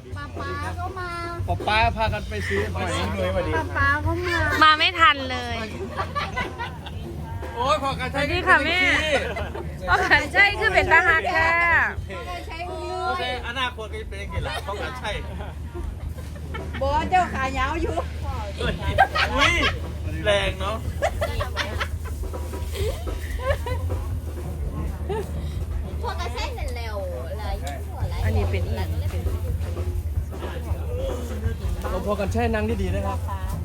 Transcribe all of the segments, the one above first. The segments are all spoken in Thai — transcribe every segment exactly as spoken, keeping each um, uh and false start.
ป้าป้าก็มาป๊าป้าพากันไปซื้อหอยเลยวันนี้ป้าป้าก็มามาไม่ทันเลยโอ้ยพอกันสวัสดีค่ะแม่พ่อขันใช่คือเป็นตาหักแค่ใช้มืโออเคอนาคตก็จะเป็นยังไงล่ะพอกันใช่บอเจ้าขายาวอยู่อุ้ยแรงเนาะพวกกระเซ็นนั่นแล้วอะไรอะไรอันนี้เป็นอีกเราพอกันใช่นั่งดีๆนะครับ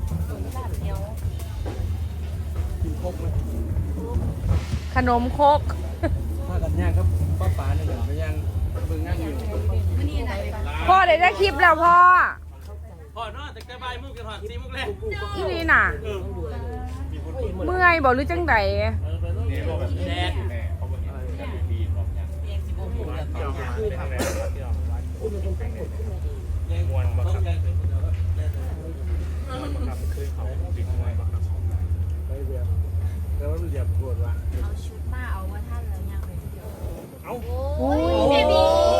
กินครบไหมขนมโคกพากันย่างครับป้าป๋าเนี่ยเดี๋ยวไปย่างเบิ่งนั่งอยู่พ่อเดี๋ยวได้คลิปแล้วพ่อพอนอนแต่กระบายมุกกันหอดซีมุกแรกอีนี่น่ะ เมื่อยบอกหรือจังไดแดดแล้วมันเหยียบปวดวะเอาชุดมาเอาว่าท่านแล้วยังเอาโอ้ยเบบี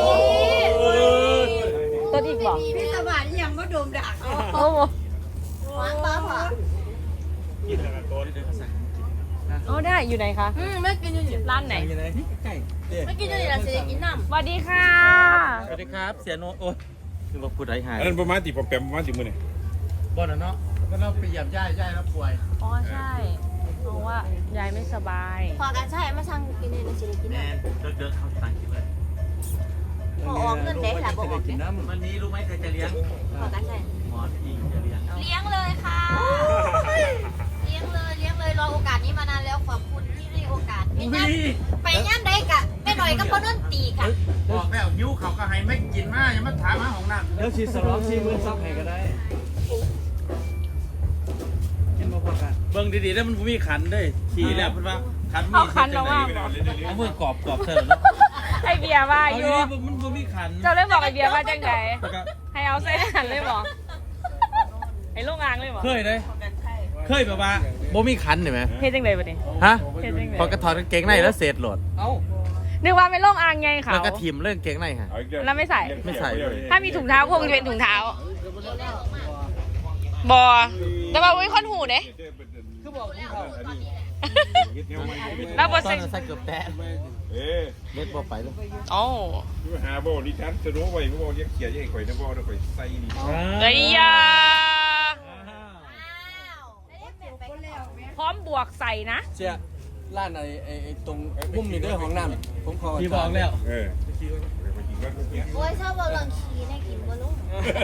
ต้นอีกบอกพี่สมานยังก็โดมดักโอ้โหวางป้าผ่ากินแล้วก็โดนโอ้ได้อยู่ไหนคะอืมไม่กินอยู่นี่ร้านไหนยังไงใกล้เด็กไม่กินอยู่นี่เราจะกินน้ำสวัสดีค่ะสวัสดีครับเสียโนโอ้ยคือว่าพูดไรหายอันนั้นประมาณตีปอมแปมประมาณตีมือเนี่ยบ่นเนาะก็เราไปเหยียบย่ายย่ายแล้วป่วยอ๋อใช่เพราะว่ายายไม่สบายพอกันใช่มาสั่งกินเลยนะจะกินแมน้นเดินๆเขาสั่งกินเลยพอออกเงินเด็กแหละบอกออกกินน้ำวันนี้รู้ไหมใครจะเลี้ยงพอกันใช่หมอทีจะเลี้ยงเลี้ยงเลยค่ะ เลี้ยงเลยเลี้ยงเลยรอโอกาสนี้มานานแล้วขอบคุณที่ให้โอกาสไม่งั้นไปย่านใดกะแม่หน่อยก็พอนุ่นตีค่ะบอกแล้วยิ้วเขาก็ให้ไม่กินมากยังมาถามหาของน้ำแล้วชีสล็อกชีมือซับให้ก็ได้กินมาพอกันเบิ่งดีๆแล้วมันมีขันด้วยขี่แล้วเพิ่นว่าขันมีเอาคันเราว่าเอามือกรอบกรอบเธอเนาะไอเบียร์ว่าเอาอยู่ดีๆมันบ่มีขันเจ้าเลยบอกไอเบียร์ว่าจังไดแล้วก็ให้เอาใส่หันเลยบอกไอโรงงานเลยบอกเคยเลยเคยแบบว่าบ่มีขันเห็นไหมเฮ็ดจังไดบัดนี้ฮะเฮ็ดจังไดพอกระถอดกางเกงในแล้วเศษโหลดเอ้านึกว่าเป็นโรงอ่างไงเขาแล้วก็ทิมเรื่องเกงในฮะแล้วไม่ใส่ไม่ใส่ถ้ามีถุงเท้าคงจะเป็นถุงเท้าบอแต่ว่าอุ้ยคนหูเด้คือบอกเขาแล้วบอตอใส่นนั้นใส่เกือบแตะเอ๊ะเล็ดบ่ไปเลยโอ้หาโบดิฉันจะรู้ไว้เขาบอกยังเขียนยังข่อยนะบอกนะข่อยใส่ดีเฮ้ยยาพร้อมบวกใส่นะเจ้าร้านไอ้ไอ้ไอ้ตรงมุมนี้ด้วยห้องน้ำผมขอพี่บอกแล้วเออไปกินก็เขียนโอ้ยชอบเอาลังคีในกินบอลุ่ม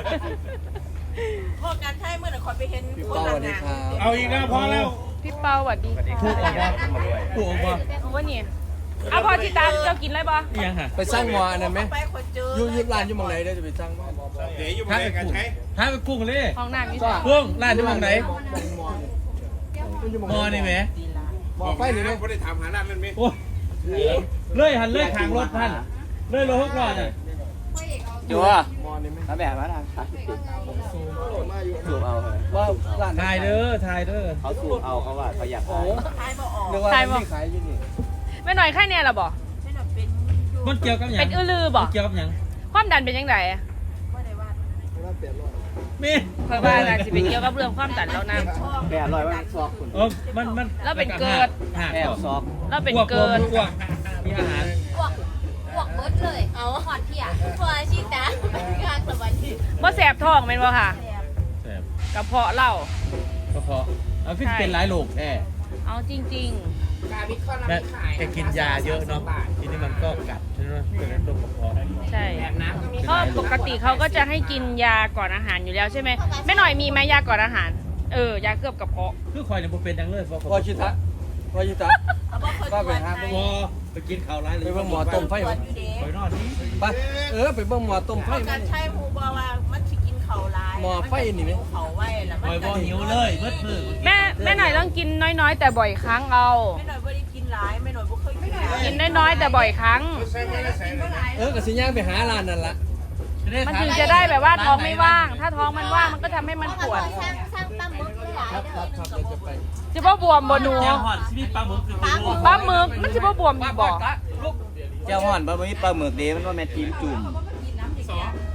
พอการใช้เมื่อไหร่คอยไปเห็นพี่คนเป้าสละวัสดีงานครับเอาอีกแล้วพอแล้วพี่เปาสวัสดีถูกออกว่าถูกออกว่าว่านี่เอาพอที่ตามเจ้ากินเลยบอยังฮะไปสร้างหมออันนั้นไหมไปคนเจออยู่อยุร้านอยู่หมองไหนได้จะไปสร้างหมอเดี๋ยวอยู่ถ้ามาไปกันกุ้งใช้ถ้าไปกุ้งเลยห้องน้ำนี่จ้ากุ้งร้านที่มองไหนอยู่หมองมอนี่ไหมหมอไฟนี่ไหมเขาได้ถามหาร้านนั้นไหมโอ้เลยหันเลยขางรถท่านเลยรถหกล้อน่ะจัวหมอนี่ไหมถ้าแบบว่าทางซ้ายสูบเอาเลยว่าร้านถ่ายเด้อถ่ายเด้อเขาสูบเอาเขาว่าเขาอยากโอ้ขายขายบ่ออกนึกว่าที่ขายอยู่นี่ไม่หน่อยแค่เนี้ยหรอบอไม่หน่อยเป็นอยู่มันเกี่ยวกับหยัเป็งนอื้อลือบอเกี่ยวกับหยังความดันเป็นยังไงว่าได้ว่าร้านเปลี่ยนร้อยมีเพราะว่าน่าจะเป็นเกี่ยวกับเรื่องความดันแล้วนะแปดร้อยว่าซอกคุณเออมันมันแล้วเป็นเกิดหักแปดซอกแล้วเป็นเกินอ้วกมีอาหารพวกพวกเบิร์ดเลย เอาหอดเที่ยพวกอาชีพนะงานสวัสดีว่าแสบท้องเป็นบ่ค่ะแซ่บกระเพาะเหล้าก็พอเอาขึ้นเป็นหลายโรคแน่เอาจริงแม่แกกินยาเยอะเนาะทีนี้มันก็กัดใช่ไหมเป็นโรคกระเพาะๆ ใช่เพราะปกติเขาก็จะให้กินยาก่อนอาหารอยู่แล้วใช่ไหมแม่หน่อยมีไหมยาก่อนอาหาร เออยาเคลือบกระเพาะคือคอยเนี่ยบ่เป็นดังเลยเพราะพอชิตะพอชิตะเขาบอกคนป้าตรไปวจหาให้พอไปกินข้าวร้ายเลยไปเบิ่งหมอต้มไฟตรวมาจอยู่เด้คอยนอนนี่ไปเออไปเบิ่งหมอต้มไฟพอมาการใช้หูบอกว่ามันสิกินเข่าร้ายหมอไฟนี่ไหมเขาไว้แล้วคอยบ่หิวเลยเบิดมือแม่แม่หน่อยต้องกินน้อยๆ แต่บ่อยครั้งเอาไม่หน่อยบ่ได้กินร้ายไม่หน่อยบ่เคยกินร้ายกินน้อยๆแต่บ่อยครั้งใส่ไม่ได้ใส่เลยเออกับสิย่างไปหาร้านนั่นละมันถึงจะได้แบบว่าท้องไม่ว่าง ถ้าท้องมันว่างมันก็ทำให้มันปวดสร้างสร้างตั้มมึกหลายครับครับครับเดี๋ยวจะไปจะบ่บวมบ่หนูแกงหอดชีวิตปลาหมึกคือปลาหมึกปลาหมึกมันจะบ่บวมอีกบ่เจ้าห่อนบ่มีปลาหมึกเด้มันว่าแม่จิ้มจุ่มตรง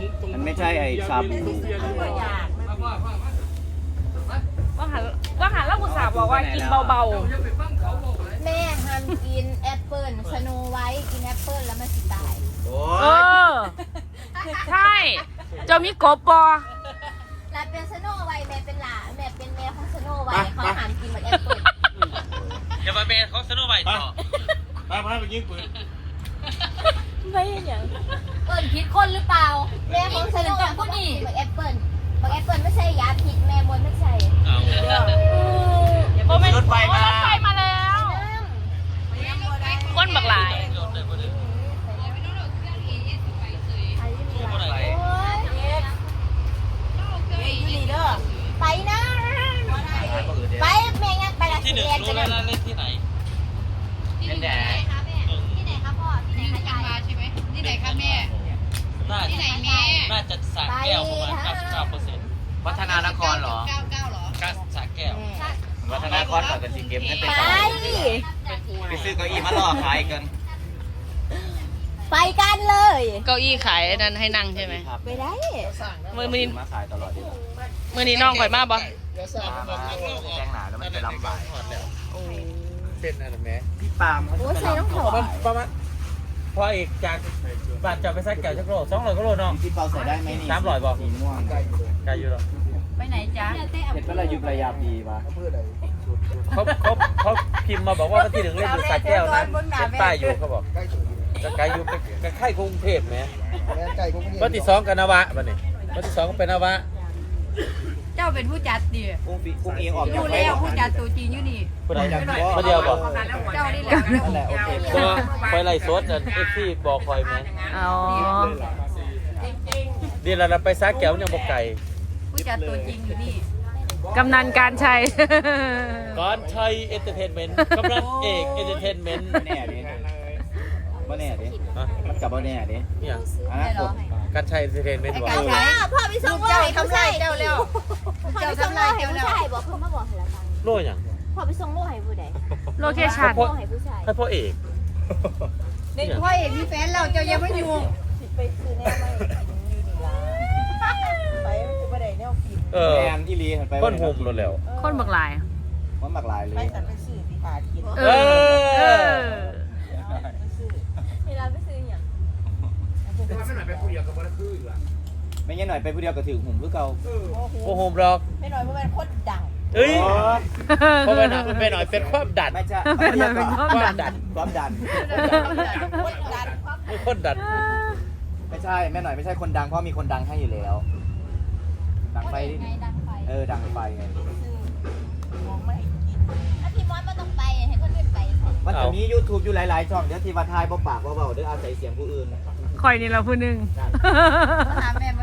มันไม่ใช่ไอ้ชาบูก็อยากว่าหันว่าหันแล้วคุณสาวบอกว่ากินเบาแม่ห้ามกินแอปเปิ้ลสโนไวท์กินแอปเปิ้ลแล้วมันสิตายโอ้ๆ เอย อ ใช่ เจ้ามีกบปอแล้วเป็นสโนไวท์แม่เป็นหลานแม่เป็นแม่ของสโนไวท์เขาห้ามกินแบบแอปเปิ้ลอย่ามาเป็นเขาสนุกไปต่อมาพาไปยิงปืนไม่อย่างเปิ้ลผิดคนหรือเปล่าแม่ของสโนไวท์เขากินแบบแอปเปิ้ลแบบแอปเปิ้ลไม่ใช่ยาพิษแม่มดไม่ใช่โอ้ไม่รถไฟมารถไฟมาแล้ว คนบักหลายไปนะไปแม่งั้นไปละที่หนึ่งรู้แล้วเล่นที่ไหนที่ไหนคะแม่ที่ไหนคะพ่อที่ไหนคะยายใช่ไหมที่ไหนคะแม่น่าที่ไหนแม่น่าจะสระแก้วประมาณเก้าสิบเก้าเปอร์เซ็นต์วัฒนานครเหรอเก้าเก้าเหรอก็สระแก้ววัฒนานครก่อนกันสิเกมกันเป็นไปไปซื้อเก้าอี้มาล่อขายกันไปกันเลยเก้าอี้ขายนั้นให้นั่งใช่ไหมครับไปได้มือมือนี้มาขายตลอดดีกว่ามือนี้น้องข่อยมาบ่มามาแจ้งหนาแล้วมันจะลำบากเป็นอะไรแม่พี่ปาล์มเขาโอ้จะใส่น้องลำเขาบากประมาณพออีกจากบาทจะไปซักแก้วจักโลสองร้อยก็โลเนาะพี่เปาใส่ได้ไหมนี่สามร้อยบอกสีม่วงไกลอยู่หรอไปไหนจ๊ะเห็ดเป็นระยุบระยาดีปะเขาเขาเขาพิมพ์มาบอกว่าวันที่หนึ่งเล่นอยู่สระแก้วนะเป็นป้ายอยู่เขาบอกจะไกลอยู่ใกล้ๆกรุงเทพไหมวันที่สองกันนวะวันนี้วันที่สองก็เป็นนวะเจ้าเป็นผู้จัดดิกุ้งฟีกุ้งเองออกดูแล้วผู้จัดตัวจริงอยู่นี่คนไหนคนเดียวบอกเจ้านี่แหละนั่นแหละโอเคก็ไปไล่สดเอฟซีบอกคอยไหมอ๋อเดี๋ยวเราไปซักแก้วยังบอกไก่ผู้จัดตัวจริงอยู่นี่กำนันการชัยก่อนไทยเอนเตอร์เทนเมนต์กำลังเอกเอนเตอร์เทนเมนต์แน่ดิบ่แน่ดิอ่ะมันกับบ่แน่ดิเนี่ยอนาคตการไทยเอนเตอร์เทนเมนต์บอกพ่อพ่อไปส่งว่าให้ผู้ชายเจ้าแล้วพ่อไปส่งว่าให้ผู้ชายบอกเพิ่มมาบอกให้ละกันโล่อย่างพ่อไปส่งโล่ให้ผู้ใดโลเคชั่นโล่ให้ผู้ชายให้พ่อเอกเด็กพ่อเอกมีแฟนแล้วเจ้ายังไม่อยู่ไปซื้อแน่ไม่กินอยู่นี่ล่ะไปคือบ่ได้แนวกินเออแมนที่ลีไปก้นหุ่มรถแล้วคนบักหลายมันหลากหลายเลยไปแต่ไปซื้อที่หากินเออ เออไปซื้อเวลาไปซื้ออย่างไม่งั้นหน่อยไปผู้เดียวก็ถือหุ่มคือเก่าโอ้โหหรอกไม่น้อยเพราะมันโคตรดังเอ้ยเพราะว่าหน่อยไปหน่อยเป็นความดันไม่ใช่ไม่ใช่เป็นความความดันความดันโคตรดังไม่คนดันไม่ใช่แม่หน่อยไม่ใช่คนดังเพราะมีคนดังให้อยู่แล้ว ดังไฟไงดังไปเออดังไฟไงมองไม่กินถ้าพี่มอสมาต้องไปให้คนอื่นไปมันจะมี YouTube อยู่หลายๆช่องเดี๋ยวที่ว่าทายบ่ปากบ่เบาเด้ออาศัยเสียงผู้อื่นคอยนี่เราผู้หนึ่งมาหาแม่